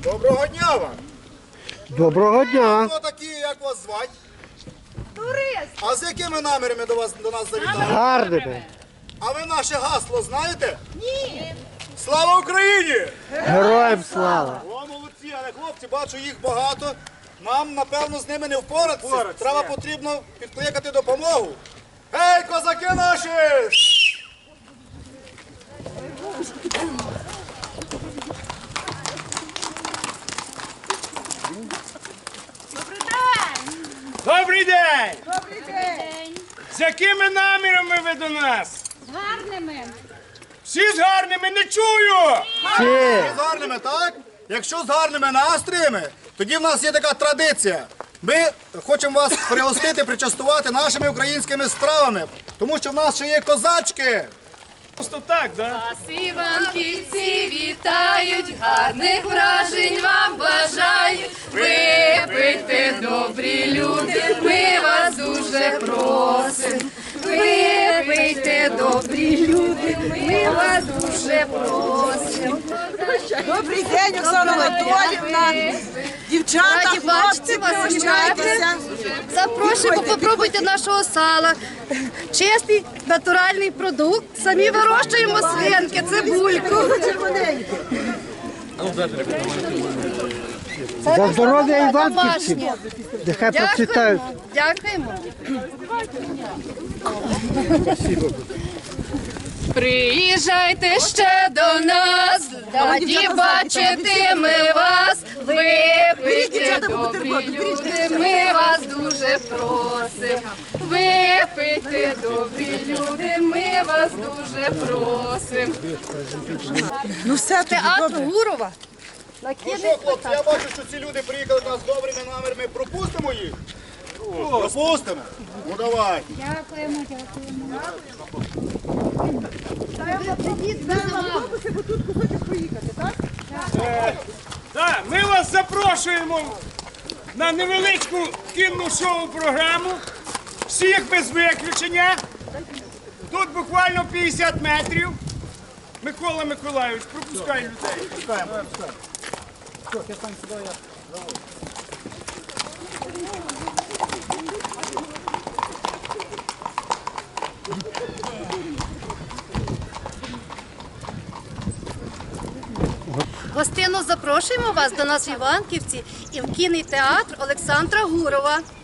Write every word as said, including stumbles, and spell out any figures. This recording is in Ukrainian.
Доброго дня вам! Доброго дня! Хто такі, як вас звати? Турист! А з якими намірами до вас до нас завітали? Гарними! А ви наше гасло знаєте? Ні! Слава Україні! Героям слава! О, молодці, але хлопці, бачу їх багато. Нам, напевно, з ними не впоратися. Треба потрібно підкликати допомогу. Гей, козаки наші! Добрий день! Добрий день! Добрий день! З якими намірами ви до нас? З гарними! Всі з гарними, не чую! Всі! З гарними, так? Якщо з гарними настроями, тоді в нас є така традиція. Ми хочемо вас пригостити, причастувати нашими українськими стравами, тому що в нас ще є козачки. Просто так, да? Вас іванківці вітають, гарних вражень вам бажають. Випийте, добрі люди, ми вас дуже просимо. Випийте, добрі люди, ми вас дуже просимо. Добрий день, Оксана Анатоліївна. Дівчата, Раді хлопці, бачити вас, пригощайтеся. Запрошуємо попробуйте нашого сала. Чистий натуральний продукт. Самі вирощуємо свинки, цибульку. За здоров'я іванківців! Домашнє. Нехай процвітають! Дякуємо. Приїжджайте ще до нас, раді бачити ми вас. Випийте, добрі люди, ми вас дуже просимо. Випийте, добрі люди, ми вас дуже просимо. Ну все, тобі Театр добре. Гурова. На Ну кінець що, хлопці, я бачу, що ці люди приїхали до нас з добрими намірами. Пропустимо їх? Пропустимо? Ну давай. Дякуємо, дякуємо. Так, ми вас запрошуємо на невеличку кінну шоу-програму. Всіх без виключення. Тут буквально п'ятдесят метрів. Микола Миколайович, пропускай людей. Пускаємо. Гостину запрошуємо вас до нас в Іванківці і в кінний театр Олександра Гурова.